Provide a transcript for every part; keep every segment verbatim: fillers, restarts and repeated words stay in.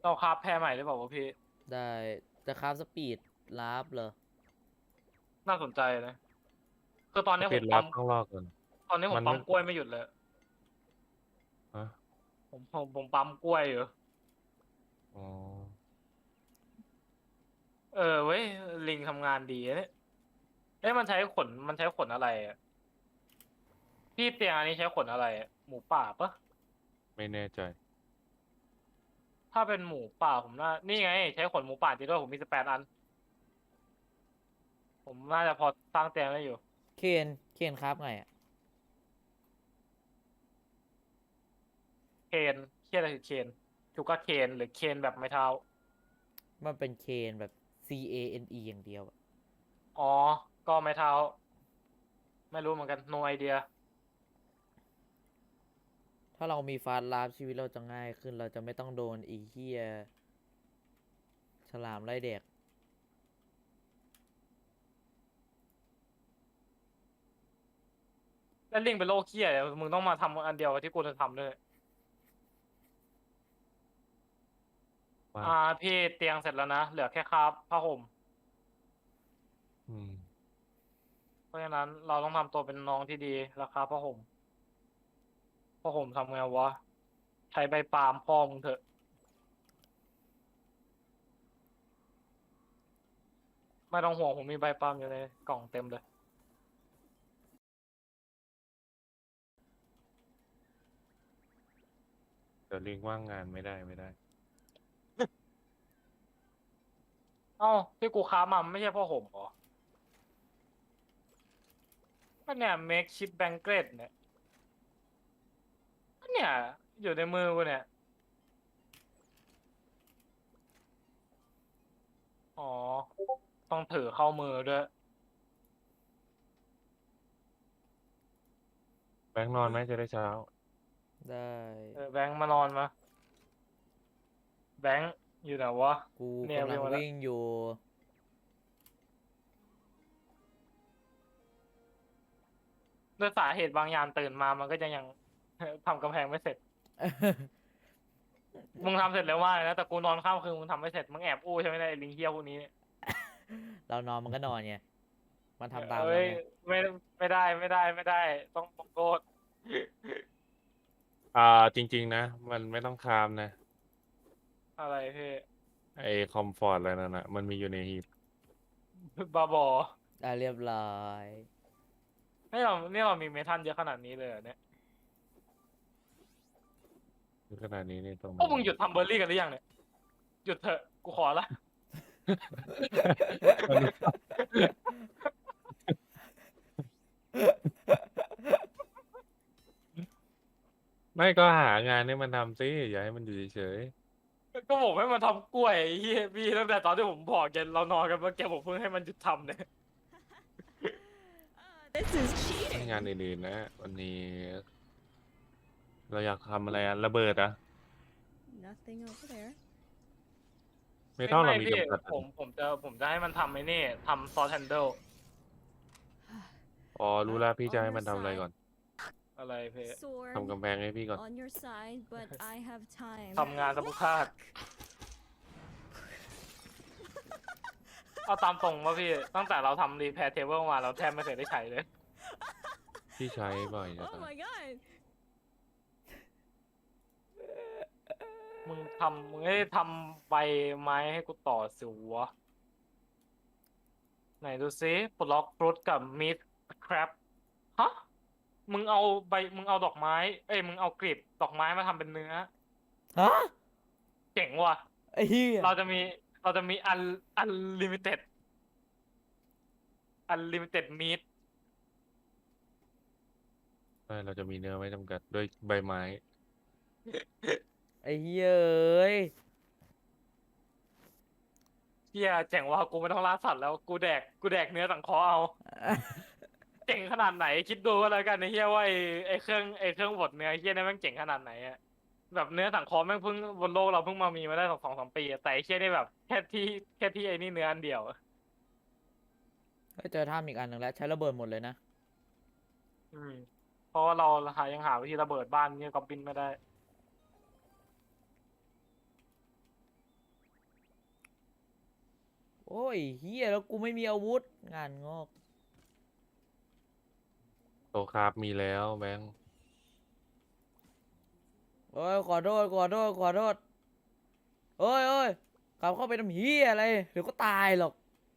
เราคราฟแพรใหม่หรือเปล่าวะพี่ได้จะคราฟสปีดลาฟเหรอน่าสนใจนะคือตอนสปีนี้ผมปั๊มดแรปต้องรอก่อนตอนนี้ผมันไม่มปั๊มกล้วยไม่หยุดเลยฮะผมผมผมปั๊มกล้วยอยู่อ๋อเออเว้ยลิงทำงานดีนะเนี่ยเอ๊ะมันใช้ขนมันใช้ขนอะไรอะพี่เตียงอันนี้ใช้ขนอะไรอะหมูป่าปะไม่แน่ใจถ้าเป็นหมูป่าผมน่านี่ไงใช้ขนหมูป่าจริงด้วยผมมีสิบแปดอันผมน่าจะพอสร้างเตียงได้อยู่เคนเคนคราฟไงอ่ะเคนเคียอะไรคือเคนชูการ์เคนหรือเคนแบบไม้เท้ามันเป็นเคนแบบ C A N E อย่างเดียวอะอ๋อก็ไม้เท้าไม่รู้เหมือนกัน no idea ถ้าเรามีฟาสต์ลาฟชีวิตเราจะง่ายขึ้นเราจะไม่ต้องโดนอีเหี้ยฉลามไล่แดกแล้วลิงเป็นโรคเคี้ยเลยมึงต้องมาทำอันเดียวกับที่กูจะทำด้วยว่าอ่าพี่เตียงเสร็จแล้วนะเหลือแค่คราฟผ้าห่มอืมเพราะฉะนั้นเราต้องทำตัวเป็นน้องที่ดีราคาผ้าห่มผ้าห่มทำไงวะใช้ใบปาล์มพ่อมึงเถอะไม่ต้องห่วงผมมีใบปาล์มอยู่ในกล่องเต็มเลยเดี๋ยวลิงก์ว่างงานไม่ได้ไม่ได้เอ้าที่กูค้ามามันไม่ใช่ผ้าห่มเหรอก็เนี่ย make chip blanket เนี่ยก็เนี่ยอยู่ในมือกูเนี่ยอ๋อต้องถือเข้ามือด้วยแบงค์นอนไหมจะได้เช้าได้เออแบงค์มานอนมาแบงค์อยู่ไหนวะกูเนี่ยกำลังวิ่งมาแล้ววิ่งอยู่ด้วยสาเหตุบางอย่างตื่นมามันก็จะยัง ทำกำแพงไม่เสร็จ มึงทำเสร็จแล้วว่านะแต่กูนอนข้ามคืนมึงทำไม่เสร็จมึงแอบอู้ใช่ไหมเนี่ยไอ้ลิงเฮี้ยพวกนี้เนี่ยเรานอนมันก็นอนไงมันทำตามเอ้ยเราไงไม่ไม่ได้ไม่ได้ไม่ได้ต้องต้องโทษอ่าจริงๆนะมันไม่ต้องครามนะอะไรพี่ไอคอมฟอร์ตอะไรนั่นนะมันมีอยู่ในฮีทบาบอได้เรียบร้อยนี่เรานี่เรามีเมทัลเยอะขนาดนี้เลยเหรอเนี่ยขนาดนี้นี่ต้องพวกมึงหยุดทำเบอร์รี่กันหรือยังเนี่ยหยุดเถอะกูขอละไม่ก็หางานให้มันทำสิอย่าให้มันอยู่เฉยก็ผมให้มันทำกล้วยไอ้เฮียพี่ตั้งแต่ตอนที่ผมบอกแกเรานอนกันเมื่อกี้ผมเพิ่งให้มันหยุดทำเนี่ย This is ๆให้ cheating. งานอื่นๆนะวันนี้ เราอยากทำอะไรอะระเบิดอะ Nothing over there. ไม่ไม่ต้องเราไม่พี่มีจำกัดผมผมจะผมจะให้มันทำไอ้นี่ทำซอสแฮนเดิลอ๋อรู้แล้วพี่ On จะให้ your มันทำอะไร side. ก่อนอะไรพี่ Sword ทำกำแพงให้พี่ก่อน on your side, but I have time. ทำงานสมุทาตเอาตามตรงว่าพี่ตั้งแต่เราทำรีแพร์เทเบิลมาเราแทบไม่เคยได้ใช้เลยพี่ใช้บ่อยจะ Oh ตาย my god. มึงทำมึงให้ทำใบไม้ให้กูต่อสิวะไหนดูซิปลอกฟรุตกับมีดครับฮะมึงเอาใบมึงเอาดอกไม้ เอ้ยมึงเอากลีบดอกไม้มาทำเป็นเนื้อฮะเจ๋งว่ะไอ้เหี้ยเราจะมีเราจะมีอันอันลิมิเต็ดอันลิมิเต็ดมีดใช่เราจะมีเนื้อไม่จำกัดด้วยใบไม้ไอ้เหี้ยเอ้ยเฮียเจ๋งว่ะกูไม่ต้องล่าสัตว์แล้วกูแดกกูแดกเนื้อสังเคราะห์เอา เจ๋งขนาดไหนคิดดูก็แล้วกันไอ้เฮียว่าไอ้ไอ้เครื่องไอ้เครื่องบดเนื้อเฮียนี่แม่งเจ๋งขนาดไหนอะแบบเนื้อสังเคราะห์แม่งเพิ่งบนโลกเราเพิ่งมามีมาได้สองสองสามปีอะแต่ไอ้เฮียนี่แบบแค่ที่แค่ที่ไอ้นี่เนื้ออันเดียวอะเฮ้ยเจอถ้ำอีกอันหนึ่งแล้วใช้ระเบิดหมดเลยนะอืมเพราะว่าเราหายังหาวิธีระเบิดบ้านเนี่ยก็บินไม่ได้โอ้ยเฮียแล้วกูไม่มีอาวุธงานงอกโตคราฟมีแล้วแบงค์โอ้ยขอโทษขอโทษขอโทษโอ้ยโอ้ยกลับเข้าไปทำเฮียอะไรเดี๋ยวก็ตายหรอก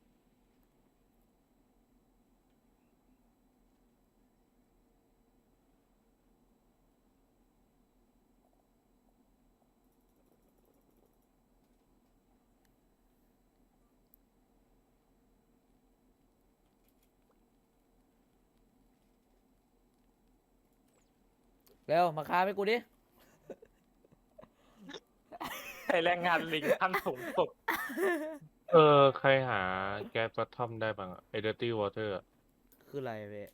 เร็วมาค้าให้กูดิไอแรงงานลิงขั้นสูงสุดเออ ใครหาแก๊สฟัตทอมได้บ้างอะไอเดอร์ตี้วอเตอร์คืออะไรเว้ย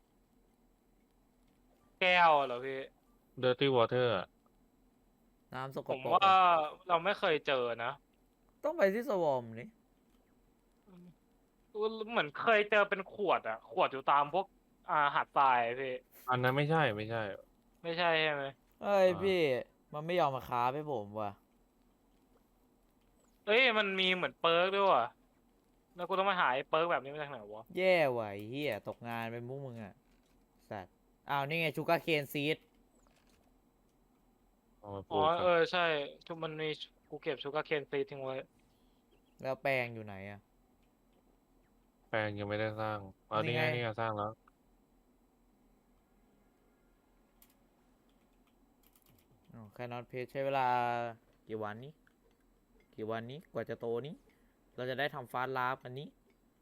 แก้วเหรอพี่เดอร์ตี้วอเตอร์น้ำสกผมปรกว่าอะเราไม่เคยเจอนะต้องไปที่สวอมนี่เหมือนเคยเจอเป็นขวดอะขวดอยู่ตามพวกอ่าหาดทรายพี่อันนั้นไม่ใช่ไม่ใช่ไม่ใช่ใช่ไหมเอ้ยอ่าพี่มันไม่ยอมมาค้าให้ผมว่ะเอ้ยมันมีเหมือนเปิร์กด้วยว่ะแล้วกูต้องมาหาไอ้เปิร์กแบบนี้มาจากไหนวะแย่ว่ะไอ้เฮียตกงานเป็นมุกมึงอ่ะสัตว์อ้าวนี่ไงชูการ์เคนซีดเอามาปอ๋ลูอกกัเอน อใช่ชุมันมีกูเก็บชูการ์เคนซีทิ้งไว้แล้วแปลงอยู่ไหนอ่ะแปลงยังไม่ได้สร้างอ๋อนี่นี่ไงไงนี่ไงสร้างแล้วอ๋อแคนนอตเพจใช้เวลากี่วันนี้ กี่วันนี้กว่าจะโตนี้ เราจะได้ทำฟาสต์ลาฟกันนี้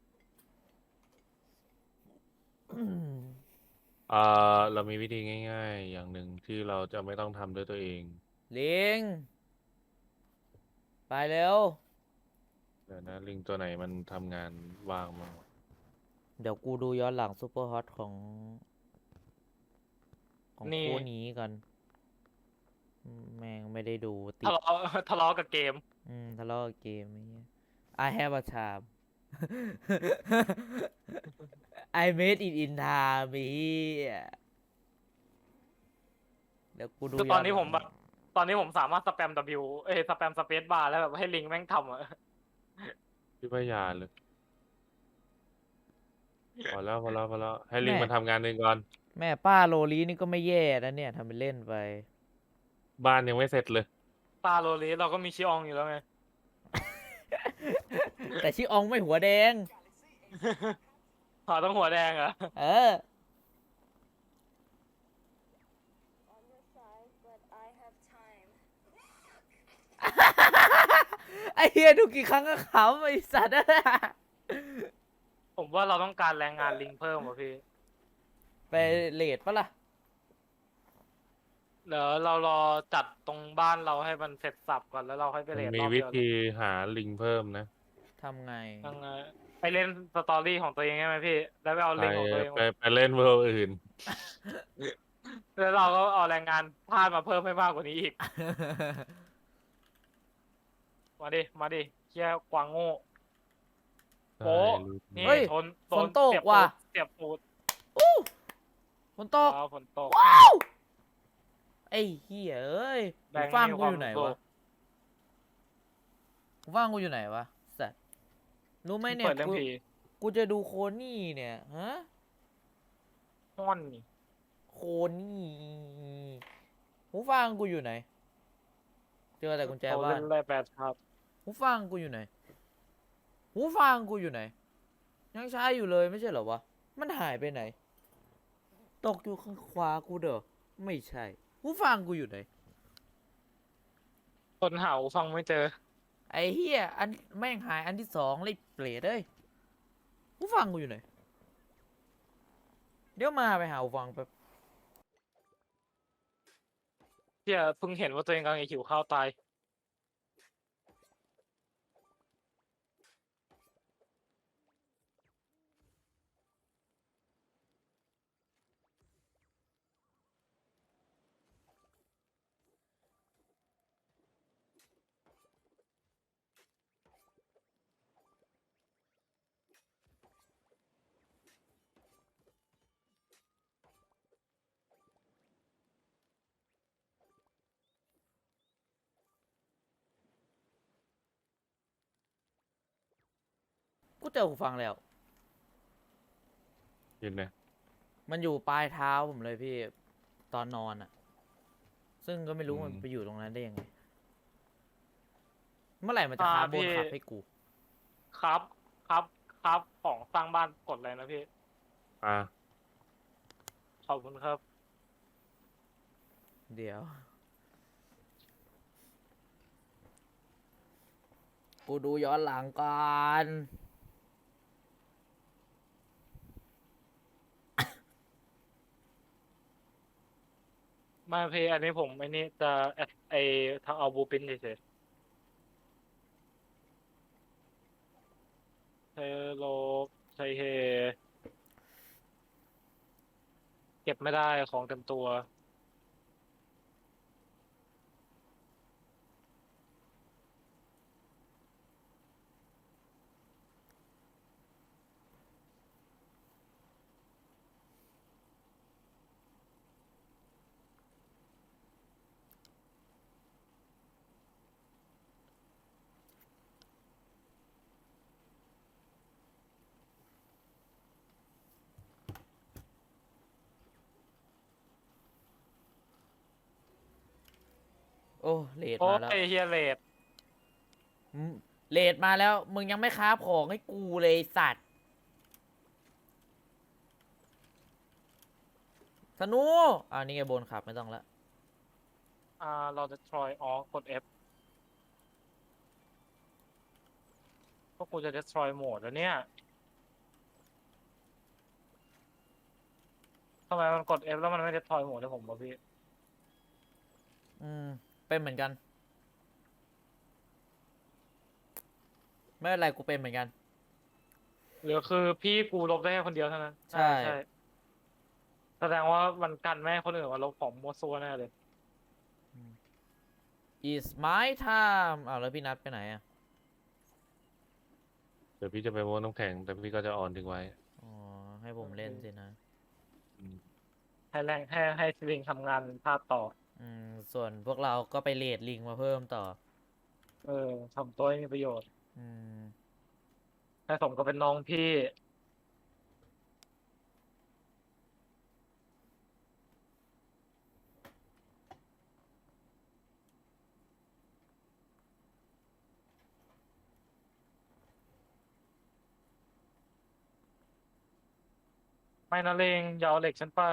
อ่า เรามีวิธีง่าย ๆ อย่างหนึ่งที่เราจะไม่ต้องทำด้วยตัวเองลิง ไปเร็วเดี๋ยวนะลิงตัวไหนมันทำงานว่างมั้างวะเดี๋ยวกูดูย้อนหลังซูเปอร์ฮอตของ ของนี่คู่นี้กันอืมแม่งไม่ได้ดูติดทะเลาะ ทะเลาะกับเกมอืมทะเลาะกับเกมไอ้เงี้ย I have a charm I made it in time ไอ้เหี้ยเดี๋ยวกูดูคือตอนนี้ย้หผลัมงแบบ ตอนนี้ผมสามารถสแปม W เอ้ยสแปมสเปซบาร์แล้วแบบให้ลิงแม่งทำอะพี่พยาเลยพอแล้วพอแล้วพอแล้วให้ลิงแม่มันทำงานเองก่อนแม่ป้าโลลีนี่ก็ไม่แย่นะเนี่ยทำเป็นเล่นไปบ้านยังไม่เสร็จเลยตาโรลีเราก็มีชิอองอยู่แล้วไงแต่ชิอองไม่หัวแดงหาต้องหัวแดงเหรอเออ On your side, but I have time. ไอเฮียดูกี่ครั้งก็ขำไอสัตว์ผมว่าเราต้องการแรงงานลิงเพิ่มว่ะพี่ไปเลดปะล่ะเดี๋ยวเรารอจัดตรงบ้านเราให้มันเสร็จสับก่อนแล้วเราค่อยไปมันเรียนมีรอบวิเดียวเลยธีหาลิงเพิ่มนะทำไงยังไงไปเล่นสตอรี่ของตัวเองใช่ไหมพี่ แล้วไปเอาไปลิงของตัวเองไปไปเล่นเวิลด์อื่นแล้วเราก็เอาแรงงานทาสมาเพิ่มให้มากกว่านี้อีก มาดิ มาดิเชี่ยกวางโง่ โป๊ะ นี่เฮ้ยทนฝนตกเสียบว่ะปูดเสียบปูดฝนตกว้าวฝนตกว้าวไอ้เฮียเอ้ยแบหูงค์ฟังมีกูความอยู่ไหนสุวะขหูฟังกูอยู่ไหนวะสัตว์รู้ไหมเนี่ยเปิดเรื่องกูผีกูจะดูโคนี่เนี่ยฮะห้อนนี่โคนี่หูฟังกูอยู่ไหน เจอแต่กุญแจเขาบ้าเล่นนแร่แปดครับหูฟังกูอยู่ไหน หูฟังกูอยู่ไหน ยังใช้อยู่เลยไม่ใช่เหรอวะ มันหายไปไหน ตกอยู่ข้างขวากูเด้อ ไม่ใช่ หูฟังกูอยู่ไหนคนหาหูฟังไม่เจอไอ้เฮียอันแม่งหายอันที่สองเลยเปรตเอ้ยหูฟังกูอยู่ไหน เดี๋ยวมาไปหาหูฟังแป๊บเชี่ยเพิ่งเห็นว่าตัวเองกำลังจะหิวข้าวตายกูเจอหูฟังแล้วยินไหมมันอยู่ปลายเท้าผมเลยพี่ตอนนอนอะซึ่งก็ไม่รู้มันไปอยู่ตรงนั้นได้ยังไง เมื่อไหร่มันจะคาร์บอนขับให้กูครับครับครับของสร้างบ้านกดเลยนะพี่อ่าขอบคุณครับเดี๋ยว กูดูย้อนหลังก่อนไมาพี่อันนี้ผมไอ้นี่จะแอดไอทางเอาบูปินเฉยๆเฮโลใช่เฮเก็บไม่ได้ของเต็มตัวโอ้เลดโอ้มาแล้วยเฮียเลดอืมเลดมาแล้ว มึงยังไม่คราฟของให้กูเลยสัตว์ธนูอ่านี่ไงบนขับไม่ต้องละอ่าเราจะทรอยอ๋อกด F พวกกูจะ destroy โหมดแล้วเนี่ยทำไมมันกด F แล้วมันไม่ destroy โหมดให้ผมวะพี่อืม เป็นเหมือนกัน ไม่เป็นไรกูเป็นเหมือนกันหรือคือพี่กูลบได้แค่คนเดียวเท่านั้นใช่ใช่แสดงว่ามันกันไม่ให้คนอื่นมาลบของมัวซัวแน่เลย is my time อ้าวแล้วพี่นัดไปไหนอ่ะเดี๋ยวพี่จะไปม้วนน้ำแข็ง แต่พี่ก็จะออนทิ้งไว้อ๋อ ให้ผมเล่นสินะอืมให้แรงให้ให้สลิงทำงานเป็นภาพต่ออืม ส่วนพวกเราก็ไปเลดลิงมาเพิ่มต่อเออทำตัวให้มีประโยชน์อืมให้สมก็เป็นน้องพี่ ไม่นะเลงอย่าเอาเหล็กฉันไป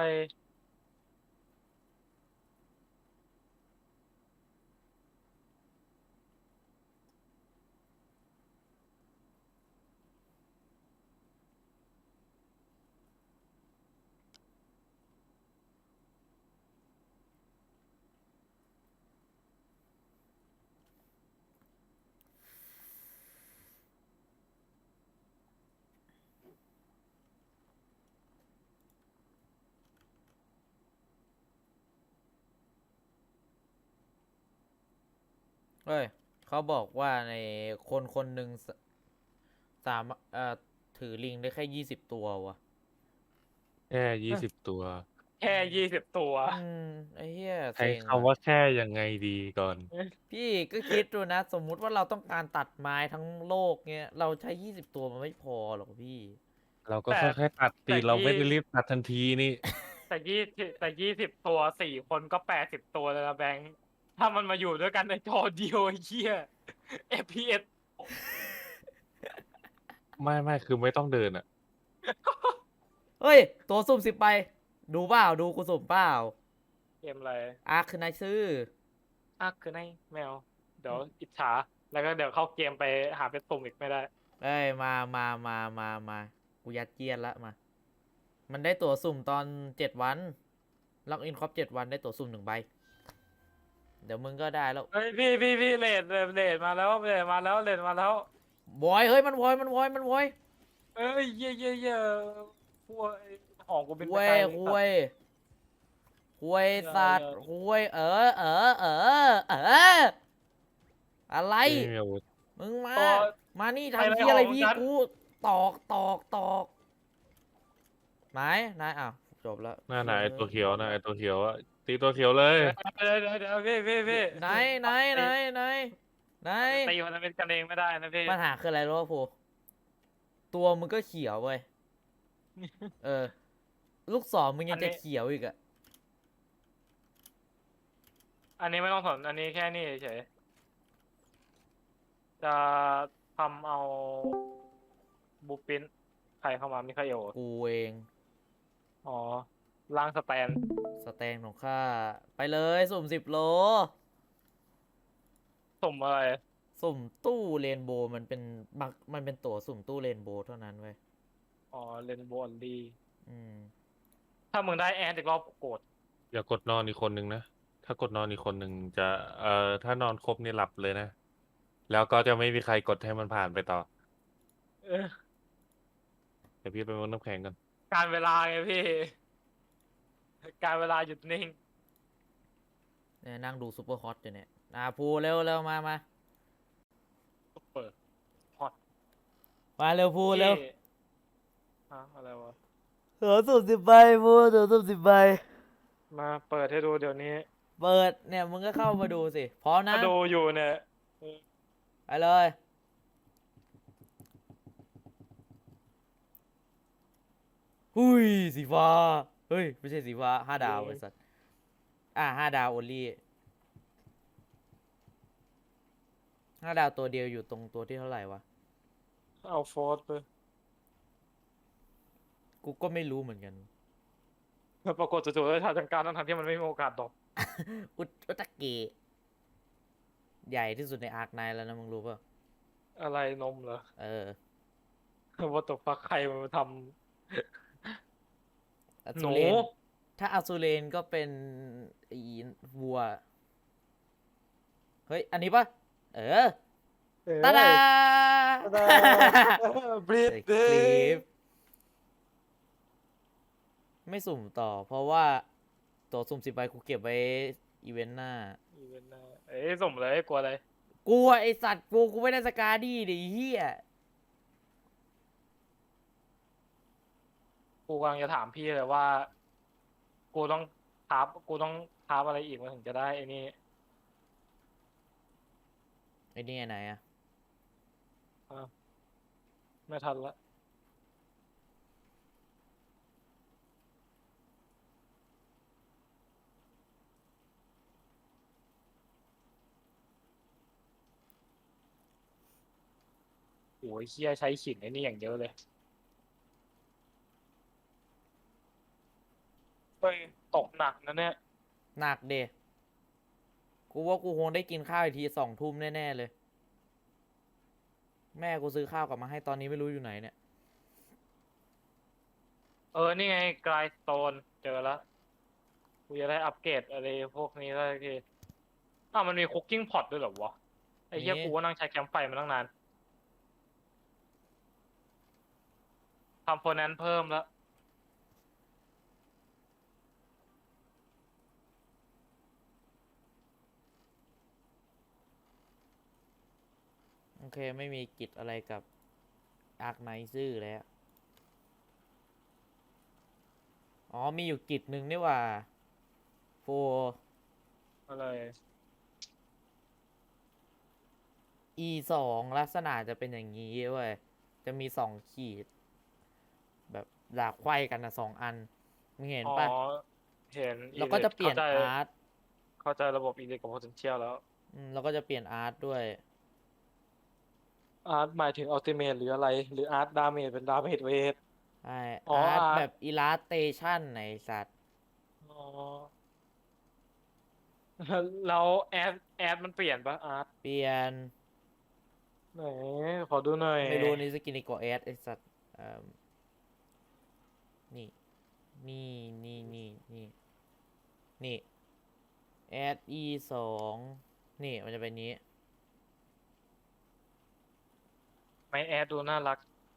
เฮ้ย เขาบอกว่าในคนคนหนึ่งสสามเอ่อถือลิงได้แค่ยี่สิบตัววะแค่ยี่สิบตัวแค่ยี่สิบตัวอืม ไอ้เหี้ยใช้เซ็งคำว่าแค่ยังไงดีก่อนพี่ก็คิดดูนะ สมมุติว่าเราต้องการตัดไม้ทั้งโลกเงี้ย เราใช้ยี่สิบตัวมันไม่พอหรอกพี่เราก็แต่ค่อยๆตัดแต่ตีเราไม่ยี่ได้รีบตัดทันทีนี่แต่ยี่สิบแต่ยี่สิบตัวสี่คนก็แปดสิบตัวแล้วนะแบงค์ถ้ามันมาอยู่ด้วยกันในจอเดียวไอ้เหี้ย เอฟ พี เอสไม่ไม่คือไม่ต้องเดินอ่ะเฮ้ย ตัวสุ่มสิบไป ดูเปล่า ดูกูสุ่มเปล่าเกมอะไรอาร์คือนายซื้ออ่ะคือในแมว เดี๋ยวอิจฉา แล้วก็เดี๋ยวเข้าเกมไปหาเป็นตุ่มอีกไม่ได้เอ้ย มามามามามากูยัดเยียดละมา มันได้ตั๋วสุ่มตอนเจ็ดวัน ล็อกอินครบเจ็ดวันได้ตั๋วสุ่มหนึ่งใบ เดี๋ยวมึงก็ได้แล้วเฮ้ยพี่พี่พี่เลดเลดมาแล้วเลดมาแล้วเลดมาแล้ววอย เฮ้ย มันวอย มันวอย มันวอยเอ้ยเย่เย่เย่พวกของกูเป็นไปเว้ไกลยเลยเว้ยเว้ยสัตว์เว้ยเออ เออ เออ เออ อะไรไม่มีอาวุธมึงมาตัวมานี่ไปทำเลยที่อะไรของพี่ฉันกู ตอกตอกตอกไหนนายอ้าวจบแล้วหน้าไหนไอ้ตัวเขียวนะไอตัวเขียวอะตีตัวเขียวเลยเดี๋ยวเดี๋ยวเดี๋ยวพี่พี่พี่ไหนไหนไหนไหนไหนตีมันเป็นกันเองไม่ได้นะพี่ปัญหาคืออะไรรู้ป่ะผูตัวมึงก็เขียวเว้ย เออ ลูกศรมึงยังจะเขียวอีกอะอันนี้ไม่ต้องสนอันนี้แค่นี้เฉยๆจะทำเอาบูปินใครเข้ามามิคาเอลกูเองอ๋อล่างสแตนสแตนของข้า ไปเลยสุ่มสิบโลสมอะไรสุ่มตู้เรนโบว์มันเป็นบักมันเป็นตั๋วสุ่มตู้เรนโบว์เท่านั้นเว้ยอ๋อเลนโบอลดีอืมถ้ามึงได้แอนอีกรอบโกรธอย่ากดนอนอีกคนนึงนะ ถ้ากดนอนอีกคนหนึ่งจะ เอ่อ ถ้านอนครบนี่หลับเลยนะ แล้วก็จะไม่มีใครกดให้มันผ่านไปต่อเออเดี๋ยวพี่ไปมุดน้ำแข็งกันการเวลาไงพี่ การเวลาหยุดนิ่งเนี่ยนั่งดูซูเปอร์ฮอตอยู่เนี่ยอ่าพูเร็วเร็วมามาเปิดฮอตมาเร็วพูเร็วพี่ฮะอะไรวะตั๋วสุ่มสิบใบพูตั๋วสุ่มสิบใบมาเปิดให้ดูเดี๋ยวนี้เปิดเนี่ยมึงก็เข้ามาดูสิ พร้อมนะมาดูอยู่เนี่ยเออไปเลยหุยสีฟ้า เฮ้ย ไม่ใช่สีฟ้าห้าดาวไอ้สัสอ่าห้าดาวโอลี่ห้าดาวตัวเดียวอยู่ตรงตัวที่เท่าไหร่วะเอาโฟร์สไปกูก็ไม่รู้เหมือนกันแล้วปรากฏจู่ๆได้ทาจังการทั้งๆที่มันไม่มีโอกาสดรอปอุตอุตะเกะใหญ่ที่สุดในอาร์คไนท์แล้วนะมึงรู้ป่ะอะไรนมเหรอเออว่าตกฟักใครมันมาทอำหซูนูเรนถ้าอสูเรนก็เป็นอีวัว เฮ้ย อันนี้ป่ะ เออ ตาดาบรีดใส่เดคลิป ไม่สุ่มต่อ เพราะว่าตัวสุ่มสิบใบกูเก็บไว้อีเวนต์หน้าเอ้ยสมเลยกลัวอะไรกูอะไอสัตว์กูกูไม่ได้สกาดี้ดิเฮียกูกำลังจะถามพี่เลยว่า กูต้องทับกูต้องทับอะไรอีกมันถึงจะได้ไอ้นี่ไอนี่ไหนอะไม่ทันละโอ้ยเฮียใช้ขิงไอ้นี่อย่างเยอะเลยเฮ้ยตกหนักนะเนี่ยหนักเดกูว่ากูคงได้กินข้าวอีกทีสองทุ่มแน่ๆเลย แม่กูซื้อข้าวกลับมาให้ตอนนี้ไม่รู้อยู่ไหนเนี่ยเออ นี่ไงกลายสโตนเจอแล้วกูจะได้อัปเกรดอะไรพวกนี้ได้ทีอ้าวมันมีคุกกิ้งพอตด้วยเหรอวะ ไอ้เหี้ยมีกูก็นั่งใช้แคมป์ไฟมาตั้งนานทำโฟนันเพิ่มแล้วโอเคไม่มีกิจอะไรกับอาร์คไนซื่อแล้ว อ๋อมีอยู่กิจหนึ่งนี่หว่าโฟอะไรอีสองลักษณะจะเป็นอย่างนี้เว้ย จะมีสองขีด แบบดาบไขว้กันนะสองอัน มึงเห็นอ๋อปะเห็นแล้วก็จะเปลี่ยนข้าใจอาร์ตเข้าใจระบบอีเล็กกับ potential แล้วอืมแล้วก็จะเปลี่ยนอาร์ตด้วยอาร์ตหมายถึงอัลติเมทหรืออะไร หรืออาร์ตดาเมจเป็นดาเมจเวทใช่อ๋ออาร์ตอาร์ตแบบอิลาสเตชันไหนสัตว์อ๋อ แล้วแอดแอดมันเปลี่ยนปะอาร์ตเปลี่ยนไหนขอดูหน่อยไม่รู้นี่สกินอีกกว่าแอดไอสัตว์เอิ่มนี่ นี่นี่นี่นี่นี่แอดอีสองนี่มันจะเป็นนี้ไม่แอดดูน่ารัก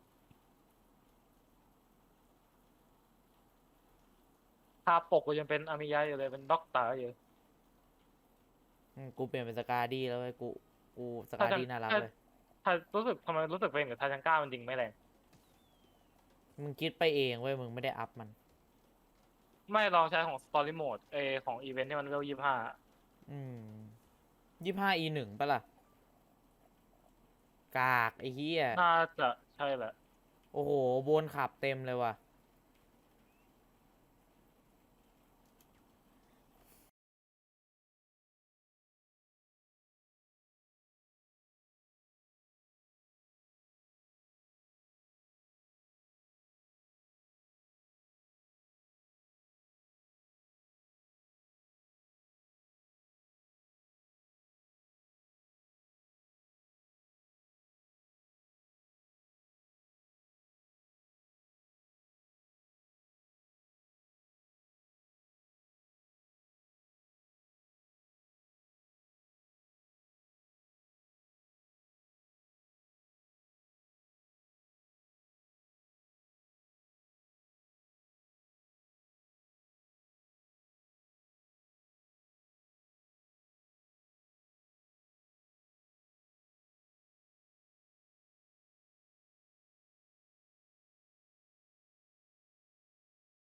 ภาพปกก็ยังเป็นอามิยะอยู่เลยเป็นด็อกเตอร์อยู่อืมกูเปลี่ยนเป็นสกาดี้แล้วเว้ยกูกูสกาถ้าจะดี้น่ารักถ้าเลยถ้ารู้สึกทำไมรู้สึกเป็นกับทาจังก้ามันจริงไม่แรงมึงคิดไปเองเว้ยมึงไม่ได้อัพมันไม่ลองใช้ของ Story Mode เออของอีเวนต์ที่มันเวลยี่ห้าอืมยี่ห้าอีหนึ่งปะล่ะ กากไอ้เหี้ยน่าจะใช่แหละ ผโอ้โหบนขับเต็มเลยว่ะ